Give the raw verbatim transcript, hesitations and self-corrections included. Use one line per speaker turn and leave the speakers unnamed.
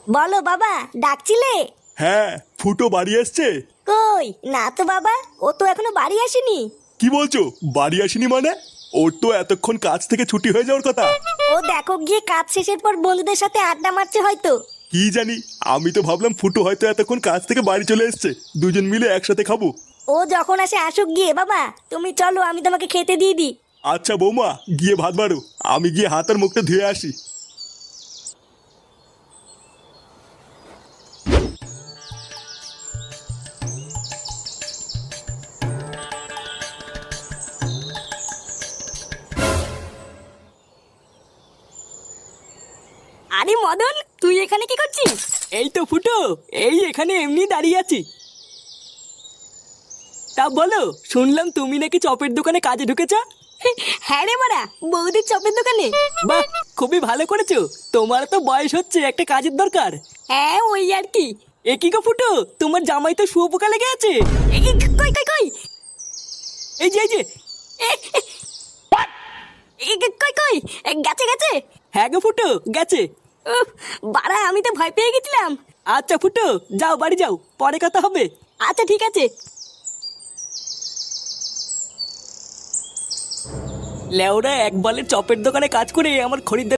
বলো বাবা, ডাকছিলে?
হ্যাঁ, ফুটো বাড়ি আসছে।
কই না তো বাবা, ও তো এখনো বাড়ি আসেনি।
কি বলছো, বাড়ি আসেনি মানে? ওর তো এতক্ষণ কাজ থেকে ছুটি হয়ে যাওয়ার কথা।
ও দেখো গিয়ে কাজ শেষের পর বন্ধুদের সাথে আড্ডা মারছে হয়তো।
কি জানি, আমি তো ভাবলাম ফুটো হয়তো এতক্ষণ কাজ থেকে বাড়ি চলে এসেছে, দুজন মিলে একসাথে খাবো।
ও যখন আসে আসুক গিয়ে, বাবা তুমি চলো আমি তোমাকে খেতে দিয়ে দিই।
আচ্ছা বৌমা, গিয়ে ভাত বাড়ো, আমি গিয়ে হাত আর মুখটা ধুয়ে আসি।
আরে মদন, তুই এখানে কি করছিস?
এই তো ফুটো, এই এখানে এমনি দাঁড়িয়ে আছি। তা বলো, শুনলাম তুমি নাকি চপের দোকানে কাজে ঢুকেছো।
হ্যাঁ রে মারা, বৌদির চপের দোকানে।
বাহ, খুবই ভালো করেছো। তোমার তো বয়স হচ্ছে, একটা কাজের দরকার।
হ্যাঁ ওই আর কি।
এ কি গো ফুটো, তোমার জামাই তো শুয়োপোকা লেগে আছে।
এ, এ, কই কই কই
এই যে এই যে।
এ, এ, এ, কই কই এ, গেছে গেছে।
হ্যাঁ গো ফুটো, গেছে।
উফ, বাড়া আমি তো ভয় পেয়ে গেছিলাম।
আচ্ছা ফুটো, যাও বাড়ি যাও, পরে কথা হবে।
আচ্ছা ঠিক আছে।
লেওরা এক বলে চপের দোকানে কাজ করে আমার খরিদ্দার